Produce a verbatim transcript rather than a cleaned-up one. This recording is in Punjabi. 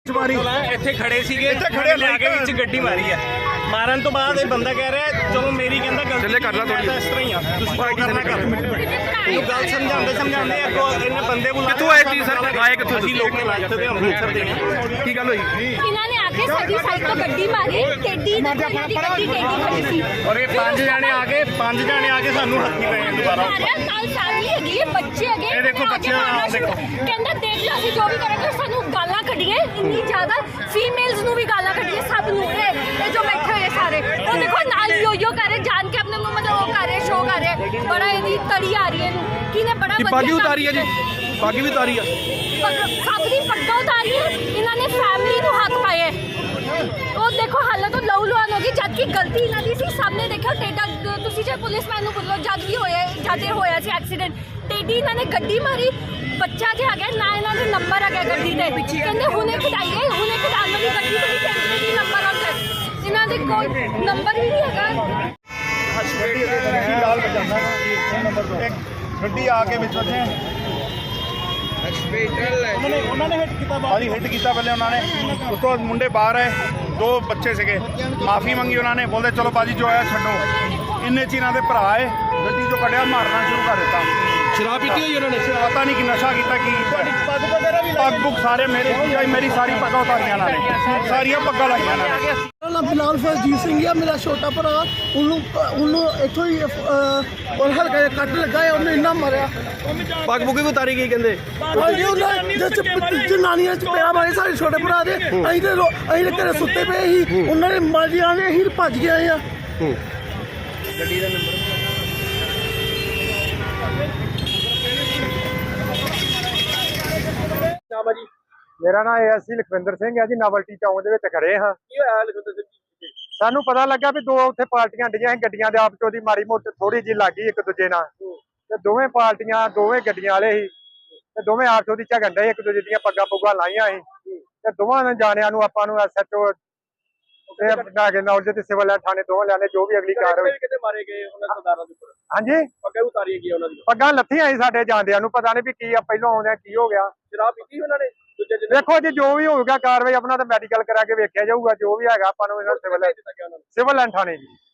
ਇੱਥੇ ਖੜੇ ਸੀਗੇ, ਇੱਥੇ ਖੜੇ ਲਿਆ ਕੇ ਵਿੱਚ ਗੱਡੀ ਮਾਰੀ ਹੈ। ਮਾਰਨ ਤੋਂ ਬਾਅਦ ਇਹ ਬੰਦਾ ਕਹਿ ਰਿਹਾ ਚਲੋ ਮੇਰੀ ਕਹਿੰਦਾ ਗਲਤੀ ਚੱਲੇ ਕਰ ਲਾ ਥੋੜੀ ਇਸ ਤਰ੍ਹਾਂ ਹੀ ਆ ਤੁਸੀਂ ਕਰਨਾ ਕਰ ਇਹ ਗੱਲ ਸਮਝਾਉਂਦੇ ਸਮਝਾਉਂਦੇ ਅੱਗੋਂ ਇਹਨੇ ਬੰਦੇ ਬੁਲਾ ਕਿੱਥੋਂ ਆਏ ਸੀ ਸਰ ਆਏ ਕਿੱਥੋਂ ਅਸੀਂ ਲੋਕ ਨੇ ਲਾਇਆ ਤੇ ਅੰਮ੍ਰਿਤਸਰ ਦੇ ਕੀ ਗੱਲ ਹੋਈ ਇਹਨਾਂ ਨੇ ਆ ਕੇ ਸਾਡੀ ਸਾਈਡ ਤੋਂ ਗੱਡੀ ਮਾਰੀ ਟੇਡੀ ਦੀ ਗੱਡੀ ਟੇਡੀ ਖੜੀ ਸੀ ਔਰ ਇਹ ਪੰਜ ਜਾਣੇ ਆ ਕੇ ਪੰਜ ਜਾਣੇ ਆ ਕੇ ਸਾਨੂੰ ਹੱਥੀ ਪਏ ਦੁਬਾਰਾ ਕੱਲ ਫੈਮਿਲੀ ਹੈਗੀ ਬੱਚੇ ਹੈਗੇ ਇਹ ਦੇਖੋ ਬੱਚੇ ਆ ਦੇਖੋ ਕਹਿੰਦਾ ਦੇਖ ਲਓ ਅਸੀਂ ਜੋ ਵੀ ਕਰਾਂਗੇ ਸਾਨੂੰ ਗਾਲਾਂ ਕੱਢੀਏ ਇੰਨੀ ਜ਼ਿਆਦਾ ਫੀਮੇਲਸ ਨੂੰ ਵੀ ਗਾਲਾਂ ਕੱਢੀਏ ਸਭ ਨੂੰ ਇਹ ਜੋ ਬੈਠੇ ਹੋਏ ਸਾਰੇ ਉਹ ਦੇਖੋ ਨਾਲ ਯੋ ਯੋ ਕਰ ਰਹੇ ਜਾਣ ਕੇ ਆਪਣੇ ਮੂੰਹ ਮਤਲਬ ਉਹ ਕਰ ਰਹੇ ਸ਼ੋਅ ਕਰ ਰਹੇ ਬੜਾ ਇਹਦੀ ਤੜੀ ਆ ਰਹੀ ਹੈ ਇਹਨੂੰ ਕਿਹਨੇ ਬੜਾ ਵਧੀਆ ਪਾਗੀ ਉਤਾਰੀ ਹੈ ਜੀ ਪਾਗੀ ਵੀ ਉਤਾਰੀ ਆ ਸਭ ਦੀ ਪੱਗਾਂ ਉਤਾਰੀ ਹੈ ਇਹਨਾਂ ਨੇ ਫੈਮਿਲੀ ਨੂੰ ਹੱਥ ਪਾਏ ਉਹ ਦੇਖੋ ਹਾਲਤ ਤੋਂ ਲਹੂ ਲੁਹਾਨ ਹੋ ਗਈ ਜਦ ਕਿ ਗਲਤੀ ਇਹਨਾਂ ਦੀ ਸੀ ਸਾਹਮਣੇ ਦੇਖੋ ਟੇਡਾ ਤੁਸੀਂ ਜੇ ਪੁਲਿਸਮੈਨ ਨੂੰ ਬੋਲੋ ਜਦ ਵੀ ਹੋਇਆ ਜਦ ਇਹ ਹੋਇਆ ਸੀ ਐਕਸੀਡੈਂਟ ਟੇਡੀ ਇਹਨਾਂ ਨੇ ਗੱਡੀ ਮਾਰੀ ਬੱਚਾ ਜੇ ਆ ਗਿਆ ਨਾ ਇਹਨਾਂ ਦੇ ਨੰਬਰ ਆ ਗਿਆ ਗੱਡੀ ਦੇ ਕਹਿੰਦੇ ਹੁਣੇ ਕਢਾਈਏ ਹੁਣੇ ਕਢਾਉਣ ਵਾਲੀ ਗੱਡੀ ਤੋਂ ਵੀ ਕਹਿੰਦੇ ਕਿ ਨੰਬਰ ਆ ਗਿਆ ਇਹਨਾਂ ਦੇ ਕੋਈ ਨੰਬਰ ਵੀ ਨਹੀਂ ਹੈਗਾ ਲਾਲ ਬਜਾਨਾ ਗੱਡੀ ਆ ਕੇ ਵਿੱਚ ਵੱਜੇ ਉਹਨਾਂ ਨੇ ਉਹਨਾਂ ਨੇ ਹਿੱਟ ਕੀਤਾ ਬਾਅਦ ਹਿੱਟ ਕੀਤਾ ਪਹਿਲੇ ਉਹਨਾਂ ਨੇ ਉਸ ਤੋਂ ਮੁੰਡੇ ਬਾਹਰ ਆਏ ਦੋ ਬੱਚੇ ਸੀਗੇ ਮਾਫੀ ਮੰਗੀ ਉਹਨਾਂ ਨੇ ਬੋਲਦੇ ਚਲੋ ਬਾਜੀ ਜੋ ਆਇਆ ਛੱਡੋ ਇੰਨੇ ਚ ਇਹਨਾਂ ਦੇ ਭਰਾ ਆਏ ਗੱਡੀ ਚੋਂ ਕੱਢਿਆ ਮਾਰਨਾ ਸ਼ੁਰੂ ਕਰ ਦਿੱਤਾ ਸ਼ਰਾਬ ਪੀਤੀ ਹੋਈ ਉਹਨਾਂ ਨੇ ਪਤਾ ਨਹੀਂ ਕਿ ਨਸ਼ਾ ਕੀਤਾ ਕੀ ਪੱਗ ਵਗੈਰਾ ਵੀ ਪੱਗ ਪੁੱਗ ਸਾਰੇ ਮੇਰੇ ਮੇਰੀ ਸਾਰੀ ਪੱਗਾਂ ਉਤਾਰੀਆਂ ਨਾਲ ਸਾਰੀਆਂ ਪੱਗਾਂ ਲਾਈਆਂ ਨਾਲ ਮੇਰਾ ਫਿਲਹਾਲ ਫਰਜੀਤ ਸਿੰਘ ਆ ਮੇਰਾ ਛੋਟਾ ਭਰਾ ਉਹਨੂੰ ਉਹਨੂੰ ਇੱਥੋਂ ਹੀ ਔਰ ਹਲਕਾ ਜਿਹਾ ਕੱਟ ਲੱਗਾ ਹੈ ਉਹਨੇ ਇੰਨਾ ਮਾਰਿਆ ਪੱਗ ਪੁੱਗ ਵੀ ਉਤਾਰੀ ਗਈ ਕਹਿੰਦੇ ਜਨਾਨੀਆਂ ਚ ਪਿਆ ਮਾਰੇ ਸਾਡੇ ਛੋਟੇ ਭਰਾ ਦੇ ਅਸੀਂ ਤੇ ਅਸੀਂ ਤੇ ਘਰੇ ਸੁੱਤੇ ਪਏ ਸੀ ਉਹਨਾਂ ਨੇ ਮਾਰੀਆਂ ਨੇ ਅਸੀਂ ਭੱਜ ਗਏ ਆ ਗੱਡੀ ਦਾ ਨੰਬਰ ਨਾਮ ਜੀ ਮੇਰਾ ਨਾਮ ਏਐਸਸੀ ਲਖਵਿੰਦਰ ਸਿੰਘ ਹੈ ਜੀ ਨਵਲਟੀ ਚੌਂਕ ਦੇ ਵਿੱਚ ਖੜੇ ਹਾਂ ਕੀ ਹੋਇਆ ਲਖਵਿੰਦਰ ਸਿੰਘ ਜੀ ਸਾਨੂੰ ਪਤਾ ਲੱਗਾ ਵੀ ਦੋ ਉੱਥੇ ਪਾਰਟੀਆਂ ਡੀਆਂ ਸੀ ਗੱਡੀਆਂ ਦੇ ਆਪ ਚ ਉਹਦੀ ਮਾੜੀ ਮੋਟੀ ਥੋੜੀ ਜਿਹੀ ਲੱਗੀ ਇੱਕ ਦੂਜੇ ਨਾਲ ਤੇ ਦੋਵੇਂ ਪਾਰਟੀਆਂ ਦੋਵੇਂ ਗੱਡੀਆਂ ਵਾਲੇ ਸੀ ਤੇ ਦੋਵੇਂ ਆਪਸ ਉਹਦੀ ਝਗੜਨ ਡਏ ਇੱਕ ਦੂਜੇ ਦੀਆਂ ਪੱਗਾਂ ਪੁੱਗਾਂ ਲਾਈਆਂ ਸੀ ਤੇ ਦੋਵਾਂ ਨੇ ਜਾਣਿਆਂ ਨੂੰ ਆਪਾਂ ਨੂੰ ਐਸਐਚਓ ਤੇ ਨਾਗੇ ਨੌਲਜ ਤੇ ਸਿਵਲ ਥਾਣੇ ਦੋਵਾਂ ਲਿਆਣੇ ਜੋ ਵੀ ਅਗਲੀ ਕਾਰਵਾਈ ਕਿਤੇ ਮਾਰੇ ਗਏ ਉਹਨਾਂ ਸਰਦਾਰਾਂ ਦੇ ਉੱਪਰ ਹਾਂਜੀ ਪੱਗਾਂ ਉਤਾਰੀਆਂ ਗਈਆਂ ਉਹਨਾਂ ਦੀਆਂ ਪੱਗਾਂ ਲੱਥੀਆਂ ਸੀ ਸਾਡੇ ਜਾਂਦਿਆਂ ਨੂੰ ਪਤਾ ਨਹੀਂ ਵੀ ਕੀ ਆ ਪਹਿਲਾਂ ਆਉਂਦਿਆਂ ਕੀ ਹੋ ਗਿਆ ਸ਼ਰਾਬ ਪੀਤੀ ਉਹਨਾਂ ਨੇ ਦੂਜੇ ਦਿਨ ਦੇਖੋ ਜੀ ਜੋ ਵੀ ਹੋਊਗਾ ਕਾਰਵਾਈ ਆਪਣਾ ਤਾਂ ਮੈਡੀਕਲ ਕਰਾ ਕੇ ਵੇਖਿਆ ਜਾਊਗਾ ਜੋ ਵੀ ਹੈਗਾ ਆਪਾਂ ਨੂੰ ਸਿਵਲ ਸਿਵਲ ਥਾਣੇ ਜੀ